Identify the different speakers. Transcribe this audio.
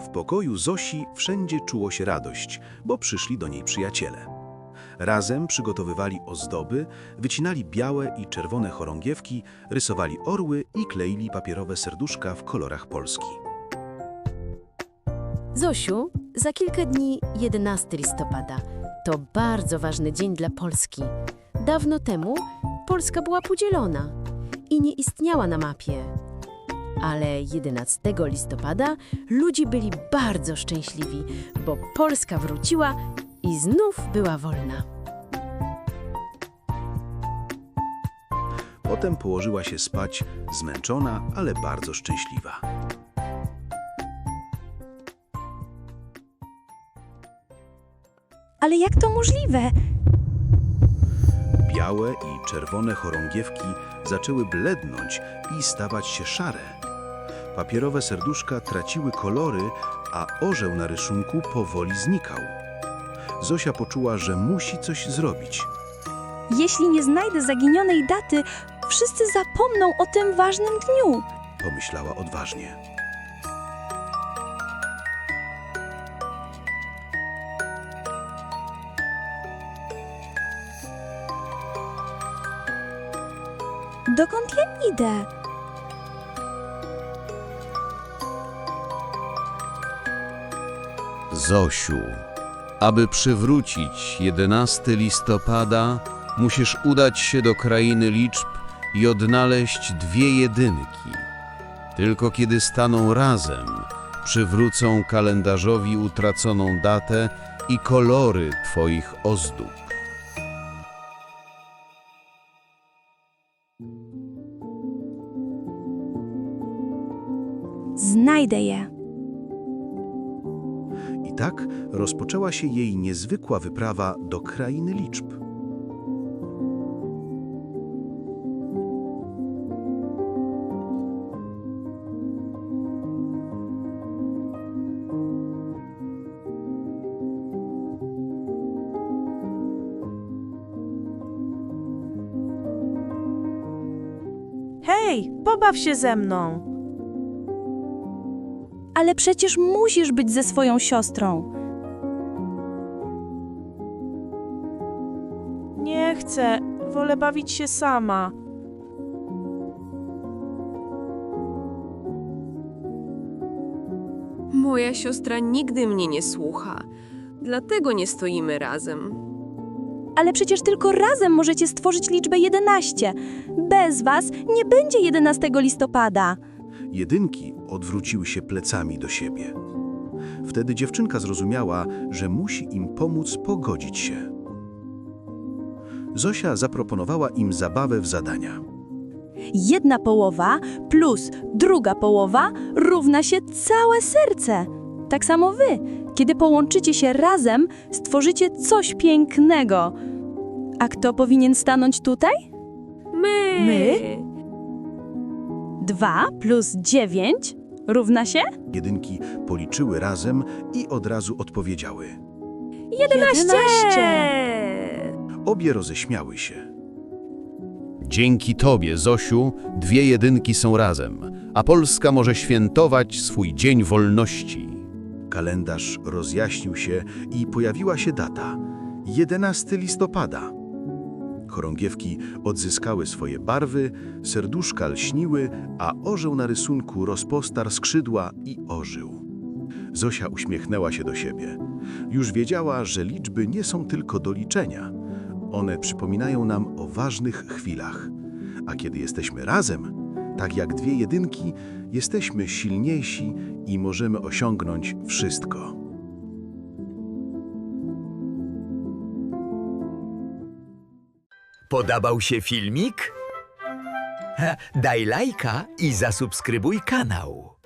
Speaker 1: W pokoju Zosi wszędzie czuło się radość, bo przyszli do niej przyjaciele. Razem przygotowywali ozdoby, wycinali białe i czerwone chorągiewki, rysowali orły i kleili papierowe serduszka w kolorach Polski.
Speaker 2: Zosiu, za kilka dni 11 listopada. To bardzo ważny dzień dla Polski. Dawno temu Polska była podzielona i nie istniała na mapie. Ale 11 listopada ludzie byli bardzo szczęśliwi, bo Polska wróciła i znów była wolna.
Speaker 1: Potem położyła się spać, zmęczona, ale bardzo szczęśliwa.
Speaker 3: Ale jak to możliwe?
Speaker 1: Białe i czerwone chorągiewki zaczęły blednąć i stawać się szare. Papierowe serduszka traciły kolory, a orzeł na rysunku powoli znikał. Zosia poczuła, że musi coś zrobić.
Speaker 3: Jeśli nie znajdę zaginionej daty, wszyscy zapomną o tym ważnym dniu.
Speaker 1: Pomyślała odważnie.
Speaker 3: Dokąd ja idę?
Speaker 4: Zosiu, aby przywrócić 11 listopada, musisz udać się do krainy liczb i odnaleźć dwie jedynki. Tylko kiedy staną razem, przywrócą kalendarzowi utraconą datę i kolory twoich ozdób.
Speaker 3: Znajdę je.
Speaker 1: I tak rozpoczęła się jej niezwykła wyprawa do krainy liczb.
Speaker 5: Hej, pobaw się ze mną!
Speaker 3: Ale przecież musisz być ze swoją siostrą.
Speaker 5: Nie chcę, wolę bawić się sama.
Speaker 6: Moja siostra nigdy mnie nie słucha, dlatego nie stoimy razem.
Speaker 3: Ale przecież tylko razem możecie stworzyć liczbę 11. Bez was nie będzie 11 listopada.
Speaker 1: Jedynki odwróciły się plecami do siebie. Wtedy dziewczynka zrozumiała, że musi im pomóc pogodzić się. Zosia zaproponowała im zabawę w zadania.
Speaker 3: 1/2 plus druga połowa równa się całe serce. Tak samo wy. Kiedy połączycie się razem, stworzycie coś pięknego. A kto powinien stanąć tutaj?
Speaker 6: My!
Speaker 3: 2 plus 9 równa się?
Speaker 1: Jedynki policzyły razem i od razu odpowiedziały.
Speaker 5: 11!
Speaker 1: Obie roześmiały się.
Speaker 4: Dzięki tobie, Zosiu, dwie jedynki są razem, a Polska może świętować swój Dzień Wolności.
Speaker 1: Kalendarz rozjaśnił się i pojawiła się data. 11 listopada. Chorągiewki odzyskały swoje barwy, serduszka lśniły, a orzeł na rysunku rozpostarł skrzydła i ożył. Zosia uśmiechnęła się do siebie. Już wiedziała, że liczby nie są tylko do liczenia. One przypominają nam o ważnych chwilach. A kiedy jesteśmy razem, tak jak dwie jedynki, jesteśmy silniejsi i możemy osiągnąć wszystko.
Speaker 7: Podobał się filmik? Daj lajka i zasubskrybuj kanał.